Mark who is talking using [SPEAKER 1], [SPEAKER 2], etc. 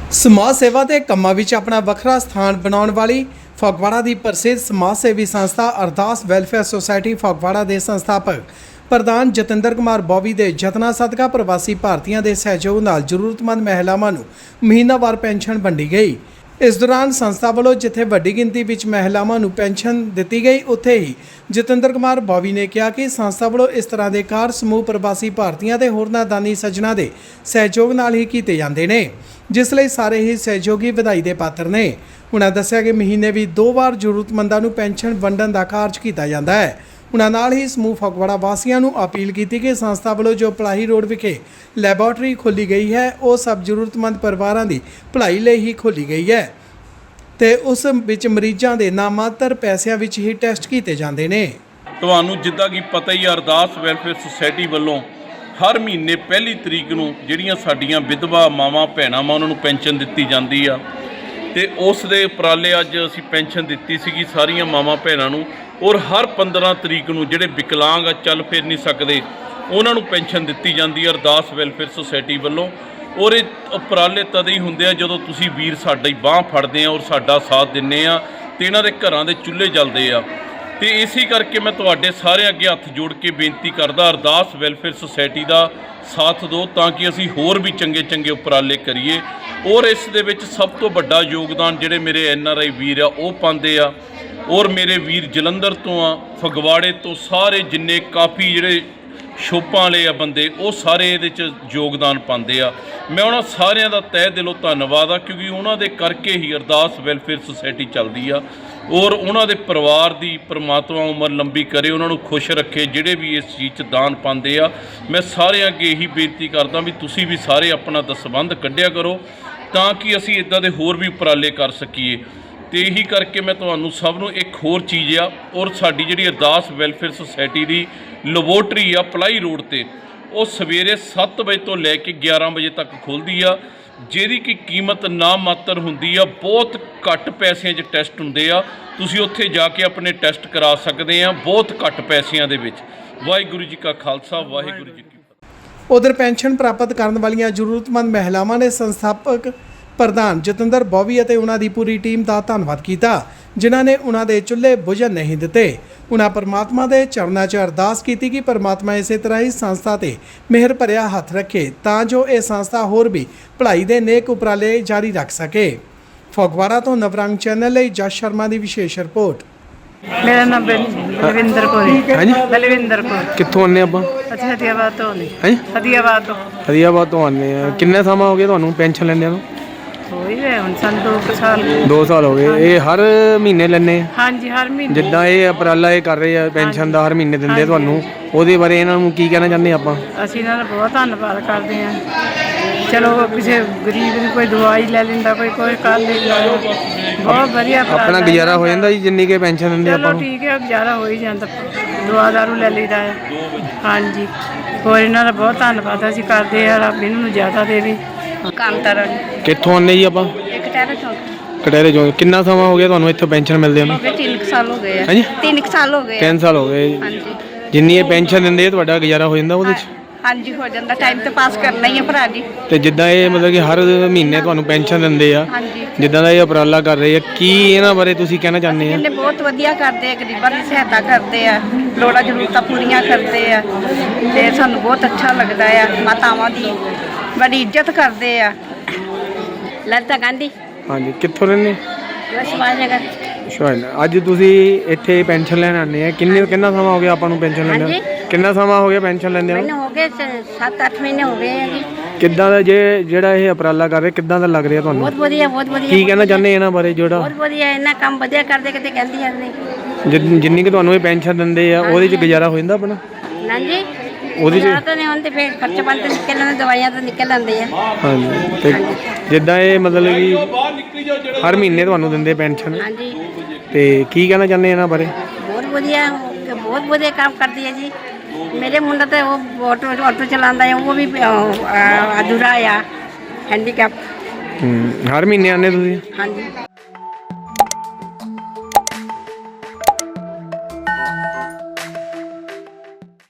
[SPEAKER 1] ਸਮਾਜ ਸੇਵਾ ਦੇ ਕੰਮਾਂ ਵਿੱਚ ਆਪਣਾ ਵੱਖਰਾ ਸਥਾਨ ਬਣਾਉਣ ਵਾਲੀ ਫਗਵਾੜਾ ਦੀ ਪ੍ਰਸਿੱਧ ਸਮਾਜ ਸੇਵੀ ਸੰਸਥਾ ਅਰਦਾਸ ਵੈਲਫੇਅਰ ਸੁਸਾਇਟੀ ਫਗਵਾੜਾ ਦੇ ਸੰਸਥਾਪਕ ਪ੍ਰਧਾਨ ਜਤਿੰਦਰ ਕੁਮਾਰ ਬੋਵੀ ਦੇ ਯਤਨਾਂ ਸਦਕਾ ਪ੍ਰਵਾਸੀ ਭਾਰਤੀਆਂ ਦੇ ਸਹਿਯੋਗ ਨਾਲ ਜ਼ਰੂਰਤਮੰਦ ਮਹਿਲਾਵਾਂ ਨੂੰ ਮਹੀਨਾਵਾਰ ਪੈਨਸ਼ਨ ਵੰਡੀ ਗਈ। इस दौरान संस्था वालों जिथे वड्डी गिनती विच महिलावां नूं पेंशन दी गई, उत्थे ही जतिंदर कुमार बॉवी ने कहा कि संस्था वालों इस तरह के कार्य समूह प्रवासी भारतीयों के होरनां दानी सज्जनां दे सहयोग नाल ही कीते जांदे ने, जिस लई सारे ही सहयोगी वधाई दे पात्र ने। उन्हां दस्सिया कि महीने भी 2 वार जरूरतमंदां नूं पेंशन वंडण दा कार्य कीता जांदा है। उन्हां नाल ही समूह फगवाड़ा वासियों नूं अपील की कि संस्था वालों जो भलाई रोड विखे लैबोरेटरी खोली गई है, वो सब जरूरतमंद परिवारों की भलाई लई ही खोली गई है ते उस विच मरीज़ां दे नामात्र पैसिਆਂ ਵਿੱਚ ही ਟੈਸਟ ਕੀਤੇ ਜਾਂਦੇ ਨੇ।
[SPEAKER 2] ਤੁਹਾਨੂੰ ਜਿੱਦਾਂ ਕਿ ਪਤਾ ਹੀ ਅਰਦਾਸ ਵੈਲਫੇਅਰ ਸੁਸਾਇਟੀ ਵੱਲੋਂ ਹਰ ਮਹੀਨੇ ਪਹਿਲੀ ਤਰੀਕ ਨੂੰ ਜਿਹੜੀਆਂ ਸਾਡੀਆਂ ਵਿਧਵਾ ਮਾਵਾਂ ਭੈਣਾਂ ਉਹਨਾਂ ਨੂੰ ਪੈਨਸ਼ਨ ਦਿੱਤੀ ਜਾਂਦੀ ਆ ਤੇ ਉਸ ਦੇ ਉਪਰਾਲੇ ਅੱਜ ਅਸੀਂ ਪੈਨਸ਼ਨ ਦਿੱਤੀ ਸੀਗੀ ਸਾਰੀਆਂ ਮਾਵਾਂ ਭੈਣਾਂ ਨੂੰ। ਔਰ ਹਰ 15 ਤਰੀਕ ਨੂੰ ਜਿਹੜੇ ਵਿਕਲਾਂਗ ਆ ਚੱਲ ਫਿਰ ਨਹੀਂ ਸਕਦੇ ਉਹਨਾਂ ਨੂੰ ਪੈਨਸ਼ਨ ਦਿੱਤੀ ਜਾਂਦੀ ਹੈ ਅਰਦਾਸ ਵੈਲਫੇਅਰ ਸੁਸਾਇਟੀ ਵੱਲੋਂ। ਔਰ ਇਹ ਉਪਰਾਲੇ ਤਦ ਹੀ ਹੁੰਦੇ ਆ ਜਦੋਂ ਤੁਸੀਂ ਵੀਰ ਸਾਡੀ ਬਾਂਹ ਫੜਦੇ ਆ ਔਰ ਸਾਡਾ ਸਾਥ ਦਿੰਦੇ ਆ ਤੇ ਇਹਨਾਂ ਦੇ ਘਰਾਂ ਦੇ ਚੁੱਲ੍ਹੇ ਜਲਦੇ ਆ। ਤੇ ਇਸੇ ਕਰਕੇ ਮੈਂ ਤੁਹਾਡੇ ਸਾਰੇ ਅੱਗੇ ਹੱਥ ਜੋੜ ਕੇ ਬੇਨਤੀ ਕਰਦਾ ਅਰਦਾਸ ਵੈਲਫੇਅਰ ਸੁਸਾਇਟੀ ਦਾ ਸਾਥ ਦਿਓ ਤਾਂ ਕਿ ਅਸੀਂ ਹੋਰ ਵੀ ਚੰਗੇ ਉਪਰਾਲੇ ਕਰੀਏ। ਔਰ ਇਸ ਦੇ ਵਿੱਚ ਸਭ ਤੋਂ ਵੱਡਾ ਯੋਗਦਾਨ ਜਿਹੜੇ ਮੇਰੇ NRI ਵੀਰ ਆ ਉਹ ਪਾਉਂਦੇ ਆ। ਔਰ ਮੇਰੇ ਵੀਰ ਜਲੰਧਰ ਤੋਂ ਆ, ਫਗਵਾੜੇ ਤੋਂ, ਸਾਰੇ ਜਿੰਨੇ ਕਾਫੀ ਜਿਹੜੇ ਸ਼ੋਪਾਂ ਵਾਲੇ ਆ ਬੰਦੇ ਉਹ ਸਾਰੇ ਇਹਦੇ 'ਚ ਯੋਗਦਾਨ ਪਾਉਂਦੇ ਆ। ਮੈਂ ਉਹਨਾਂ ਸਾਰਿਆਂ ਦਾ ਤਹਿ ਦਿਲੋਂ ਧੰਨਵਾਦ ਆ ਕਿਉਂਕਿ ਉਹਨਾਂ ਦੇ ਕਰਕੇ ਹੀ ਅਰਦਾਸ ਵੈਲਫੇਅਰ ਸੁਸਾਇਟੀ ਚੱਲਦੀ ਆ। ਔਰ ਉਹਨਾਂ ਦੇ ਪਰਿਵਾਰ ਦੀ ਪਰਮਾਤਮਾ ਉਮਰ ਲੰਬੀ ਕਰੇ, ਉਹਨਾਂ ਨੂੰ ਖੁਸ਼ ਰੱਖੇ ਜਿਹੜੇ ਵੀ ਇਸ ਚੀਜ਼ 'ਚ ਦਾਨ ਪਾਉਂਦੇ ਆ। ਮੈਂ ਸਾਰਿਆਂ ਅੱਗੇ ਇਹੀ ਬੇਨਤੀ ਕਰਦਾ ਵੀ ਤੁਸੀਂ ਵੀ ਸਾਰੇ ਆਪਣਾ ਦਸਬੰਧ ਕੱਢਿਆ ਕਰੋ ਤਾਂ ਕਿ ਅਸੀਂ ਇੱਦਾਂ ਦੇ ਹੋਰ ਵੀ ਉਪਰਾਲੇ ਕਰ ਸਕੀਏ। ਤੇ ਇਹੀ ਕਰਕੇ ਮੈਂ ਤੁਹਾਨੂੰ ਸਭ ਨੂੰ ਇੱਕ ਹੋਰ ਚੀਜ਼ ਆ ਔਰ ਸਾਡੀ ਜਿਹੜੀ ਅਰਦਾਸ ਵੈਲਫੇਅਰ ਸੁਸਾਇਟੀ ਦੀ ਲੈਬੋਰੇਟਰੀ ਆ ਪਲਾਈ ਰੋਡ ਤੇ ਉਹ ਸਵੇਰੇ 7 ਵਜੇ ਤੋਂ ਲੈ ਕੇ 11 ਵਜੇ ਤੱਕ ਖੁੱਲ੍ਹਦੀ ਆ, ਜਿਹਦੀ ਕਿ ਕੀਮਤ ਨਾ ਮਾਤਰ ਹੁੰਦੀ ਆ। ਬਹੁਤ ਘੱਟ ਪੈਸਿਆਂ 'ਚ ਟੈਸਟ ਹੁੰਦੇ ਆ, ਤੁਸੀਂ ਉੱਥੇ ਜਾ ਕੇ ਆਪਣੇ ਟੈਸਟ ਕਰਾ ਸਕਦੇ ਆ ਬਹੁਤ ਘੱਟ ਪੈਸਿਆਂ ਦੇ ਵਿੱਚ। ਵਾਹਿਗੁਰੂ ਜੀ ਕਾ ਖਾਲਸਾ, ਵਾਹਿਗੁਰੂ ਜੀ ਕੀ ਫਤਿਹ।
[SPEAKER 1] उधर पेंशन प्राप्त करने वाली जरूरतमंद महिलावां ने संस्थापक प्रधान जतिंदर बॉवी और उन्होंने पूरी टीम का धन्यवाद किया जिन्हों ने उन्होंने चुल्हे बुझन नहीं दिते। उन्होंने परमात्मा के चरणों 'च अरदास की कि परमात्मा इस तरह ही संस्था ते मेहर भरिया हथ रखे तां जो ये संस्था होर भी भलाई के नेक उपराले जारी रख सके। फगवाड़ा तो नवरंग चैनल लई जस शर्मा की विशेष रिपोर्ट।
[SPEAKER 3] मेरा नाम बलविंदर कौर है। बलविंदर कौर
[SPEAKER 4] ਕਿੱਥੋਂ ਆਨੇ ਆਪਾਂ?
[SPEAKER 3] अच्छा हदियाबाद तो नहीं
[SPEAKER 4] हैं
[SPEAKER 3] हदियाबाद तो
[SPEAKER 4] ਹਰੀਆਬਾਦ ਤੋਂ ਆਨੇ ਆ। ਕਿੰਨੇ ਸਮਾਂ ਹੋ ਗਿਆ ਤੁਹਾਨੂੰ ਪੈਨਸ਼ਨ ਲੈਂਦਿਆਂ ਨੂੰ?
[SPEAKER 3] हो ही गए हम सन 2 साल।
[SPEAKER 4] 2 ਸਾਲ ਹੋ ਗਏ। ਇਹ ਹਰ ਮਹੀਨੇ ਲੈਣੇ?
[SPEAKER 3] हाँ जी हर महीने।
[SPEAKER 4] ਜਿੱਦਾਂ ਇਹ ਉਪਰਾਲਾ ਇਹ ਕਰ ਰਹੇ ਆ ਪੈਨਸ਼ਨ ਦਾ ਹਰ ਮਹੀਨੇ ਦਿੰਦੇ ਤੁਹਾਨੂੰ, ਉਹਦੇ ਬਾਰੇ ਇਹਨਾਂ ਨੂੰ ਕੀ ਕਹਿਣਾ ਚਾਹੁੰਦੇ ਆਪਾਂ?
[SPEAKER 3] ਅਸੀਂ ਇਹਨਾਂ ਦਾ ਬਹੁਤ ਧੰਨਵਾਦ ਕਰਦੇ ਹਾਂ। ਚਲੋ ਕਿਸੇ ਗਰੀਬ ਨੂੰ ਕੋਈ ਦਵਾਈ ਲੈ ਲੈਂਦਾ, ਕੋਈ ਕਰ ਲੈਂਦਾ, ਬਹੁਤ ਵਧੀਆ
[SPEAKER 4] ਆਪਣਾ ਗੁਜ਼ਾਰਾ ਹੋ ਜਾਂਦਾ ਜੀ ਜਿੰਨੀ ਕੇ ਪੈਨਸ਼ਨ ਦਿੰਦੇ ਆਪਾਂ
[SPEAKER 3] ਚਲੋ
[SPEAKER 4] ਨੂੰ?
[SPEAKER 3] ਠੀਕ ਹੈ, ਗੁਜ਼ਾਰਾ ਹੋ ਹੀ ਜਾਂਦਾ, ਦਵਾ ਦਾਰੂ ਲੈ ਲਈਦਾ ਹੈ। ਹਾਂਜੀ ਹੋਰ ਇਹਨਾਂ ਦਾ ਬਹੁਤ ਧੰਨਵਾਦ ਅਸੀਂ ਕਰਦੇ ਆ। ਰੱਬ ਇਹਨਾਂ ਨੂੰ ਜ਼ਿਆਦਾ ਦੇਵੇ। ਕੰਮ ਤਰਨ
[SPEAKER 4] ਕਿੱਥੋਂ ਆਨੇ ਜੀ ਆਪਾਂ?
[SPEAKER 3] ਇੱਕ ਟੈਰ ਚੌਂਕ
[SPEAKER 4] ਕਟਹਿਰੇ ਚੋਂ। ਕਿੰਨਾ ਸਮਾਂ ਹੋ ਗਿਆ ਤੁਹਾਨੂੰ ਇੱਥੋਂ ਪੈਨਸ਼ਨ ਮਿਲਦੇ ਨੂੰ?
[SPEAKER 3] 3 ਸਾਲ ਹੋ ਗਏ।
[SPEAKER 4] ਹਾਂਜੀ
[SPEAKER 3] 3 ਸਾਲ ਹੋ ਗਏ।
[SPEAKER 4] 3 ਸਾਲ ਹੋ ਗਏ।
[SPEAKER 3] ਹਾਂਜੀ
[SPEAKER 4] ਜਿੰਨੀ ਇਹ ਪੈਨਸ਼ਨ ਦਿੰਦੇ ਤੁਹਾਡਾ ਗੁਜ਼ਾਰਾ ਹੋ ਜਾਂਦਾ ਉਹਦੇ 'ਚ?
[SPEAKER 3] ਹਾਂਜੀ ਹੋ ਜਾਂਦਾ, ਟਾਈਮ ਤੇ ਪਾਸ ਕਰਨਾ ਹੀ ਹੈ ਭਰਾ ਜੀ।
[SPEAKER 4] ਤੇ ਜਿੱਦਾਂ ਇਹ ਮਤਲਬ ਕਿ ਹਰ ਮਹੀਨੇ ਤੁਹਾਨੂੰ ਪੈਨਸ਼ਨ ਦਿੰਦੇ ਆ,
[SPEAKER 3] ਹਾਂਜੀ
[SPEAKER 4] ਜਿੱਦਾਂ ਦਾ ਇਹ ਉਪਰਾਲਾ ਕਰ ਰਹੇ ਆ, ਕੀ ਇਹਨਾਂ ਬਾਰੇ ਤੁਸੀਂ ਕਹਿਣਾ ਚਾਹੁੰਦੇ ਆ?
[SPEAKER 3] ਇਹਨੇ ਬਹੁਤ ਵਧੀਆ ਕਰਦੇ ਆ, ਗਰੀਬਾਂ ਦੀ ਸਹਾਇਤਾ ਕਰਦੇ ਆ, ਲੋੜਾਂ ਜ਼ਰੂਰਤਾਂ ਪੂਰੀਆਂ ਕਰਦੇ ਆ ਤੇ ਸਾਨੂੰ ਬਹੁਤ ਅੱਛਾ ਲੱਗਦਾ ਆ। ਮਾਤਾਵਾਂ ਦੀ ਬੜੀ ਇੱਜ਼ਤ ਕਰਦੇ ਆ। ਲਲਿਤਾ ਗਾਂਧੀ।
[SPEAKER 4] ਹਾਂਜੀ ਕਿੱਥੋਂ ਰਹਿੰਦੇ?
[SPEAKER 3] ਸਮਾਜ ਨਗਰ।
[SPEAKER 4] ਸ਼ਾਇਦ ਅੱਜ ਤੁਸੀਂ ਇੱਥੇ ਪੈਨਸ਼ਨ ਲੈਣ ਆਉਂਦੇ ਆ। ਕਿੰਨਾ ਸਮਾਂ ਹੋ ਗਿਆ ਆਪਾਂ ਨੂੰ ਪੈਨਸ਼ਨ ਲੈਂਦੇ?
[SPEAKER 3] ਹਾਂਜੀ।
[SPEAKER 4] ਕਿੰਨਾ ਸਮਾਂ ਹੋ ਗਿਆ ਪੈਨਸ਼ਨ ਲੈਂਦੇ ਆ?
[SPEAKER 3] ਮੈਨੂੰ ਹੋ ਗਏ 7-8 ਮਹੀਨੇ ਹੋ ਗਏ ਆ ਜੀ।
[SPEAKER 4] ਕਿੱਦਾਂ ਦਾ ਜਿਹੜਾ ਇਹ ਉਪਰਾਲਾ ਕਰ ਰਹੇ ਕਿੱਦਾਂ ਦਾ ਲੱਗ ਰਿਹਾ ਤੁਹਾਨੂੰ?
[SPEAKER 3] ਬਹੁਤ ਵਧੀਆ, ਬਹੁਤ ਵਧੀਆ।
[SPEAKER 4] ਕੀ ਕਹਿਣਾ ਚਾਹੁੰਦੇ ਇਹਨਾਂ ਬਾਰੇ? ਜਿਹੜਾ
[SPEAKER 3] ਬਹੁਤ ਵਧੀਆ, ਇਹਨਾਂ ਕੰਮ ਵਧੀਆ ਕਰਦੇ ਕਿਤੇ ਕਹਿੰਦੀ ਜਾਂਦੇ।
[SPEAKER 4] ਜਿੰਨੀ ਕਿ ਤੁਹਾਨੂੰ ਇਹ ਪੈਨਸ਼ਨ ਦਿੰਦੇ ਆ ਉਹਦੇ 'ਚ ਗੁਜ਼ਾਰਾ ਹੋ ਜਾਂਦਾ ਆਪਣਾ?
[SPEAKER 3] ਨਾ ਜੀ
[SPEAKER 4] ਉਹਦੇ 'ਚ
[SPEAKER 3] ਤਾਂ ਨਹੀਂ ਹੁੰਦੇ, ਫਿਰ ਖਰਚੇ ਪਾਣੀ ਤੇ ਨਿਕਲ ਆਉਂਦੇ, ਦਵਾਈਆਂ ਤਾਂ ਨਿਕਲ ਆਉਂਦੇ ਆ।
[SPEAKER 4] ਹਾਂਜੀ ਤੇ ਜਿੱਦਾਂ ਇਹ ਮਤਲਬ ਕਿ ਹਰ ਮਹੀਨੇ ਤੁਹਾਨੂੰ ਦਿੰਦੇ ਪੈਨਸ਼ਨ,
[SPEAKER 3] ਹਾਂਜੀ
[SPEAKER 4] ਤੇ ਕੀ ਕਹਿਣਾ ਚਾਹੁੰਦੇ ਇਹਨਾਂ ਬਾਰੇ?
[SPEAKER 3] ਬਹੁਤ ਵਧੀਆ ਕੰਮ ਕਰਦੀ ਹੈ ਜੀ। ਮੇਰੇ ਮੁੰਡਾ ਤਾਂ ਉਹ ਆਟੋ ਚਲਾਉਂਦਾ ਹੈ, ਉਹ ਵੀ ਅਧੂਰਾ ਆ, ਹੈਂਡੀਕੈਪ।
[SPEAKER 4] ਹਰ ਮਹੀਨੇ ਆਉਂਦੇ ਤੁਸੀਂ?
[SPEAKER 3] ਹਾਂਜੀ।